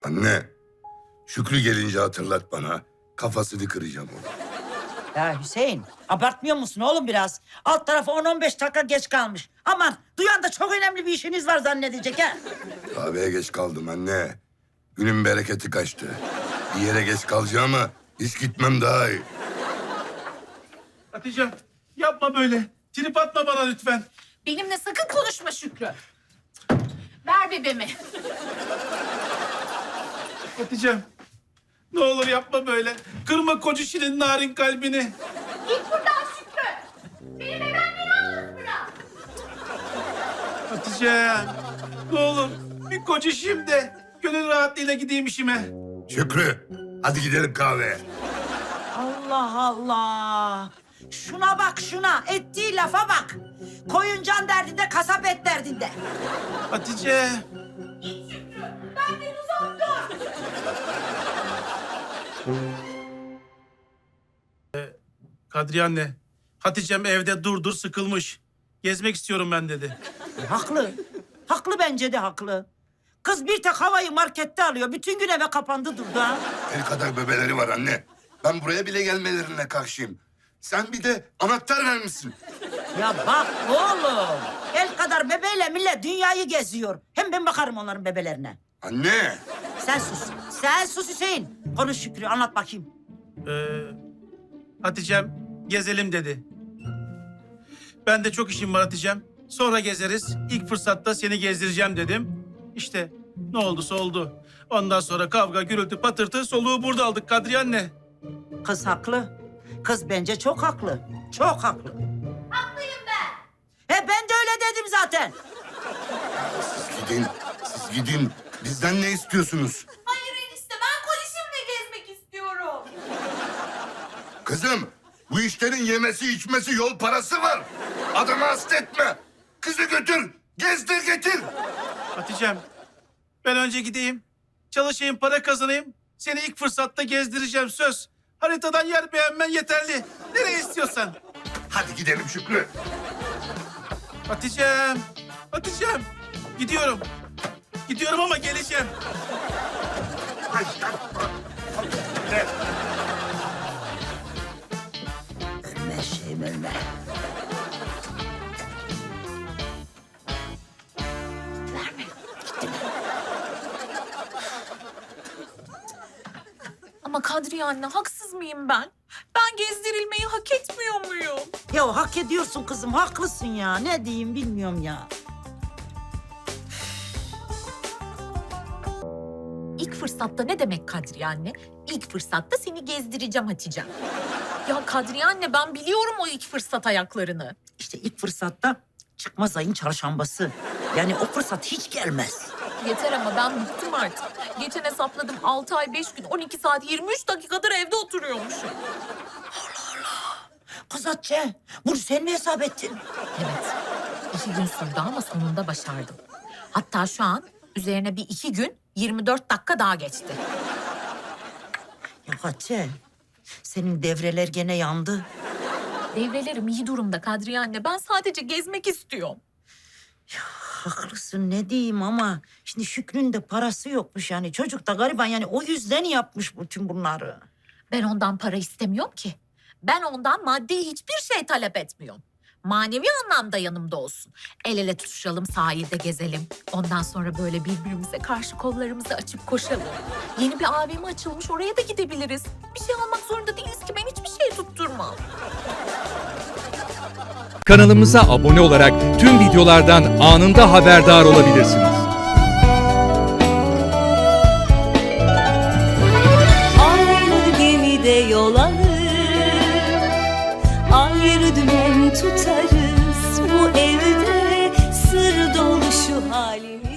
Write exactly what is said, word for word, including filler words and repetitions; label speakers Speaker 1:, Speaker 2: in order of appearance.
Speaker 1: Anne, Şükrü gelince hatırlat bana. Kafasını kıracağım onu.
Speaker 2: Ya Hüseyin, abartmıyor musun oğlum biraz? Alt tarafı on on beş dakika geç kalmış. Aman, duyan da çok önemli bir işiniz var zannedecek ha.
Speaker 1: Kahveye geç kaldım anne. Günün bereketi kaçtı. Bir yere geç kalacağıma hiç gitmem daha iyi.
Speaker 3: Hatice'm yapma böyle. Trip atma bana lütfen.
Speaker 4: Benimle sakın konuşma Şükrü. Ver bebeğimi.
Speaker 3: Hatice'm ne olur yapma böyle. Kırma kocişinin narin kalbini.
Speaker 4: Git buradan Şükrü. Benim bebeğimi yalnız bırak.
Speaker 3: Hatice'm ne olur bir kocişim de gönül rahatlığıyla gideyim işime.
Speaker 1: Şükrü, hadi gidelim kahveye.
Speaker 2: Allah Allah. Şuna bak şuna, ettiği lafa bak. Koyun can derdinde, kasap et derdinde.
Speaker 3: Hatice.
Speaker 4: Benden uzak dur.
Speaker 3: Kadriye anne. Hatice'm evde dur dur sıkılmış. Gezmek istiyorum ben dedi.
Speaker 2: Haklı. Haklı bence de haklı. Kız bir tek havayı markette alıyor. Bütün gün eve kapandı durdu ha.
Speaker 1: El kadar bebeleri var anne. Ben buraya bile gelmelerine karşıyım. Sen bir de anahtar vermişsin.
Speaker 2: Ya bak oğlum. El kadar bebeğiyle millet dünyayı geziyor. Hem ben bakarım onların bebelerine.
Speaker 1: Anne.
Speaker 2: Sen sus. Sen sus Hüseyin. Konuş Şükrü, anlat bakayım.
Speaker 3: Ee, Hatice'm gezelim dedi. Ben de çok işim var Hatice'm. Sonra gezeriz. İlk fırsatta seni gezdireceğim dedim. İşte ne olduysa oldu. Ondan sonra kavga, gürültü, patırtı soluğu burada aldık Kadriye anne.
Speaker 2: Kız haklı. Kız bence çok haklı. Çok haklı.
Speaker 4: Haklıyım ben.
Speaker 2: He ben de öyle dedim zaten.
Speaker 1: Siz gidin, siz gidin. Bizden ne istiyorsunuz?
Speaker 4: Hayır enişte ben kocişimle gezmek istiyorum.
Speaker 1: Kızım, bu işlerin yemesi içmesi yol parası var. Adamı hasta etme. Kızı götür, gezdir getir.
Speaker 3: Hatice'm ben önce gideyim. Çalışayım, para kazanayım. Seni ilk fırsatta gezdireceğim söz. Haritadan yer beğenmen yeterli. Nereye istiyorsan.
Speaker 1: Hadi gidelim Şükrü.
Speaker 3: Hatice'm, Hatice'm. Gidiyorum. Gidiyorum ama geleceğim.
Speaker 2: Ölme şeyim ölme.
Speaker 4: Verme. Ama Kadriye anne haksız mıyım ben? Ben gezdirilmeyi hak etmiyor muyum?
Speaker 2: Ya hak ediyorsun kızım, haklısın ya. Ne diyeyim bilmiyorum ya.
Speaker 4: İlk fırsatta ne demek Kadriye anne? İlk fırsatta seni gezdireceğim Hatice'm. Ya Kadriye anne ben biliyorum o ilk fırsat ayaklarını.
Speaker 2: İşte ilk fırsatta çıkmaz ayın çarşambası. Yani o fırsat hiç gelmez.
Speaker 4: Yeter ama ben bıktım artık. Geçen hesapladım altı ay beş gün on iki saat yirmi üç dakikadır evde oturuyormuşum.
Speaker 2: Kız Hatice, bunu sen mi hesap ettin?
Speaker 4: Evet. iki gün sürdü ama sonunda başardım. Hatta şu an üzerine bir iki gün yirmi dört dakika daha geçti.
Speaker 2: Ya Hatice, senin devreler gene yandı.
Speaker 4: Devrelerim iyi durumda Kadriye anne. Ben sadece gezmek istiyorum.
Speaker 2: Haklısın ne diyeyim ama şimdi Şükrü'nün de parası yokmuş yani. Çocuk da gariban yani o yüzden yapmış bütün bunları.
Speaker 4: Ben ondan para istemiyorum ki. Ben ondan maddi hiçbir şey talep etmiyorum. Manevi anlamda yanımda olsun. El ele tutuşalım, sahilde gezelim. Ondan sonra böyle birbirimize karşı kollarımızı açıp koşalım. Yeni bir A V M açılmış, oraya da gidebiliriz. Bir şey almak zorunda değiliz ki, ben hiçbir şey tutturmam.
Speaker 5: Kanalımıza abone olarak tüm videolardan anında haberdar olabilirsiniz.
Speaker 6: Aynı gemide yol alır, ayrı dümen tutarız. Bu evde sır dolu şu halimiz.